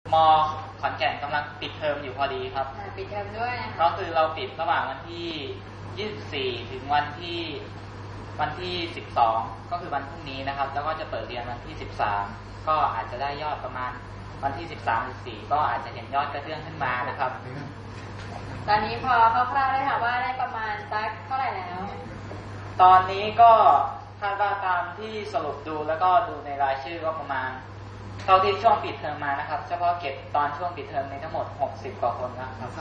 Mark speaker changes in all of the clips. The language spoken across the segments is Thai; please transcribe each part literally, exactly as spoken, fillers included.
Speaker 1: มอขอนแก่นกำลังปิดเทอมอยู่พอดีครับ
Speaker 2: ปิดเทอมด้วย
Speaker 1: ก็คือเราปิดระหว่างวันที่ยี่สิบสี่ถึงวันที่วันที่สิบสองก็คือวันพรุ่งนี้นะครับแล้วก็จะเปิดเรียนวันที่สิบสามก็อาจจะได้ยอดประมาณวันที่สิบสามหรือสี่ก็อาจจะเห็นยอดกระเตื้องขึ้นมานะครับ
Speaker 2: ตอนนี้พอคร่าวๆได้ค่ะว่าได้ประมาณสักเท่าไหร่แล้ว
Speaker 1: ตอนนี้ก็คาดว่าตามที่สรุปดูแล้วก็ดูในรายชื่อก็ประมาณเท่าที่ช่วงปิดเทอมมานะครับเฉพาะเก็บตอนช่วงปิดเทอมในทั้งหมดหกสิบกว่าคนนะครับ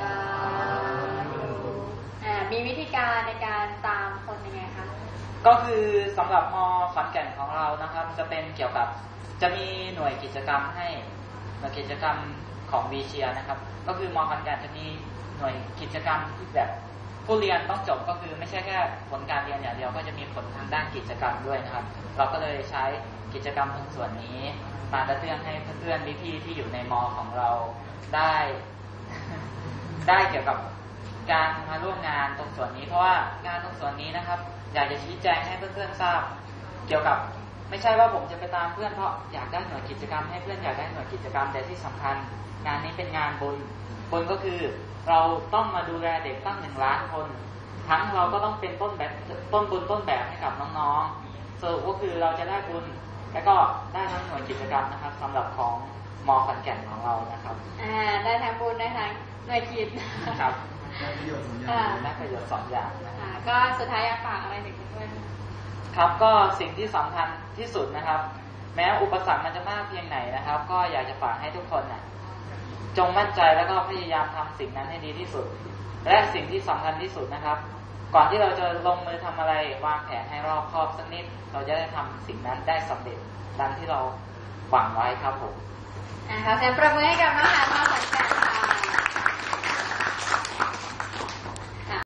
Speaker 2: อ่ามีวิธีการในการตามคนยังไงคะ
Speaker 1: ก็คือสำหรับม.ขอนแก่นของเรานะครับจะเป็นเกี่ยวกับจะมีหน่วยกิจกรรมให้หน่วยกิจกรรมของวีเชียนะครับก็คือม.ขอนแก่นจะมีหน่วยกิจกรรมที่แบบผู้เรียนต้องจบก็คือไม่ใช่แค่ผลการเรียนอย่างเดียวก็จะมีผลทางด้านกิจกรรมด้วยนะครับเราก็เลยใช้กิจกรรมตรงส่วนนี้มากระเตื้องให้เพื่อนๆพี่ๆที่อยู่ในม.ของเราได้ได้เกี่ยวกับการมาร่วมงานตรงส่วนนี้เพราะว่างานตรงส่วนนี้นะครับอยากจะชี้แจงให้เพื่อนๆทราบเกี่ยวกับไม่ใช่ว่าผมจะไปตามเพื่อนเพราะอยากได้หน่วยกิจกรรมให้เพื่อนอยากได้หน่วยกิจกรรมแต่ที่สำคัญงานนี้เป็นงานบุญบุญก็คือเราต้องมาดูแลเด็กตั้งหนึ่งล้านคนทั้งเราก็ต้องเป็นต้นแบบต้นบุญต้นแบบให้กับน้องๆสรุปก็คือเราจะได้บุญและก็ได้ทั้งหน่วยกิจกรรมนะครับสำหรับของม.ขอนแก่นของเรานะครับ
Speaker 2: อ่าได้ทั้งบุญได้ทั้งหน่วยกิจ
Speaker 1: ครับได้ประโยชน์สองอย่างได้ประโยชน์สองอย่าง
Speaker 2: นะก็สุดท้ายอยากฝากอะไรถึงเพื่อน
Speaker 1: ครับก็สิ่งที่สำคัญที่สุดนะครับแม้อุปสรรคมันจะมากเพียงไหนนะครับก็อยากจะฝากให้ทุกคนน่ะจงมั่นใจแล้วก็พยายามทำสิ่งนั้นให้ดีที่สุดและสิ่งที่สำคัญที่สุดนะครับก่อนที่เราจะลงมือทำอะไรวางแผนให้รอบคอบสักนิดเราจะได้ทำสิ่งนั้นได้สำเร็จดังที่เราหวังไว้ครับผม
Speaker 2: อ่าขอเสียงปรบมือให้กับน้องหา